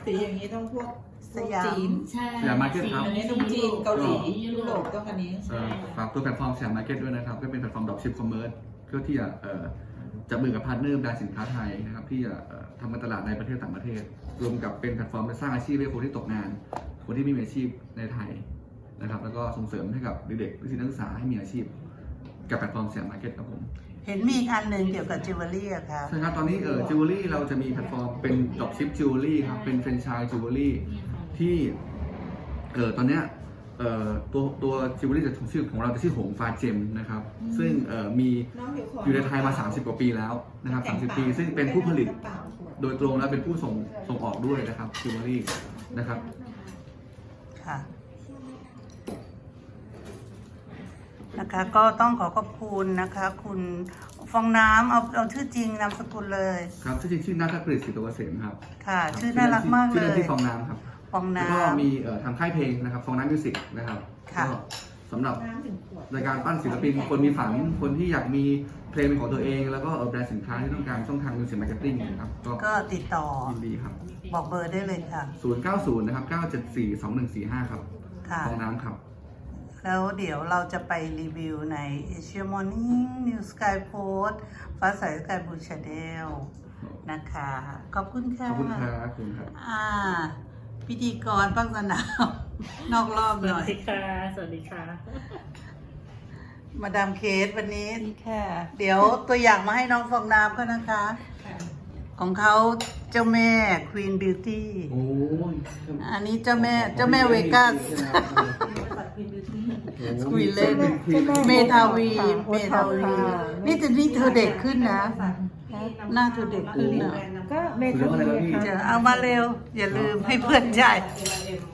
สีอย่างนี้ต้องพวกสยามจีนใช่สยามมาร์เก็ตครับอันนี้ต้องจีนเกาหลียุโรปต้องอันนี้ฝากตัวแพลตฟอร์มสยามมาร์เก็ตด้วยนะครับก็เป็นแพลตฟอร์มดรอปชิปคอมเมอร์สเพื่อที่จะจับมือกับพาร์ทเนอร์แบรนด์สินค้าไทยนะครับที่จะทำการตลาดในประเทศต่างประเทศรวมกับเป็นแพลตฟอร์มสร้างอาชีพให้คนที่ตกงานคนที่ไม่มีอาชีพในไทยนะครับแล้วก็ส่งเสริมให้กับเด็กๆนิสิตนักศึกษาให้มีอาชีพกับแพลตฟอร์มสยามมาร์เก็ตครับผมเห็นมีอีกอันหนึ่งเกี่ยวกับจิวเวลรี่อะค่ะใช่ครับตอนนี้จิวเวลรี่เราจะมีแพลตฟอร์มเป็นดรอปชิปจิวเวลรี่ครับเป็นแฟรนไชส์จิวเวลรี่ที่ตอนเนี้ยตัวจิวเวลรี่จะชื่อของเราจะชื่อหงฟาเจมนะครับซึ่งมีอยู่ในไทยมา30 กว่าปีแล้วนะครับ30 ปีซึ่งเป็นผู้ผลิตโดยตรงและเป็นผู้ส่งออกด้วยนะครับจิวเวลรี่นะครับค่ะนะคะก็ต้องขอขอบคุณนะคะคุณฟองน้ำเอาชื่อจริงนามสกุลเลยครับชื่อจริงชื่อนัทกฤษศิษย์ตัวเกษมครับค่ะ ชื่อน่ารักมากเลชื่อเล่นยที่ฟองน้ำครับฟองแล้วน้ก็มีทางค่ายเพลงนะครับฟองน้ำมิวสิกนะครับค่ะก็สำหรับในการปั้นศิลปินคนมีฝันคนที่อยากมีเพลงเป็นของตัวเอง แล้วก็แบรนด์สินค้าที่ต้องการช่องทางมิวสิกมาร์เก็ตติ้งนะครับำก็ติดต่อยินดีครับบอกเบอร์ได้เลยค่ะ 090 นะครับ 974 2145 ครับค่ะฟองน้ำครับแล้วเดี๋ยวเราจะไปรีวิวใน Asia Morning New Sky Post ฟ้าใส Sky Blue Channel นะคะ ขอบคุณค่ะขอบคุณครับขอบคุณครับพิธีกรภาคสนาม นอกรอบสหน่วัอสยดีค่ะ สวัสดีค่ะมาดามเคสวันนี้ค่ะ เดี๋ยวตัวอย่างมาให้น้องฟองน้ำก็นะคะ ของเขาเจ้าแม่ Queen Beauty โอ้ยอันนี้เจ้าแม่เวกัส คุยเล่นเมทาวีนี่จะนี่เธอเด็กขึ้นนะ หน้าเธอเด็กขึ้นนะก็เมทัลลีค่ะจะเอามาเร็ว อย่าลืมให้เพื่อนจ่ายเอ็ม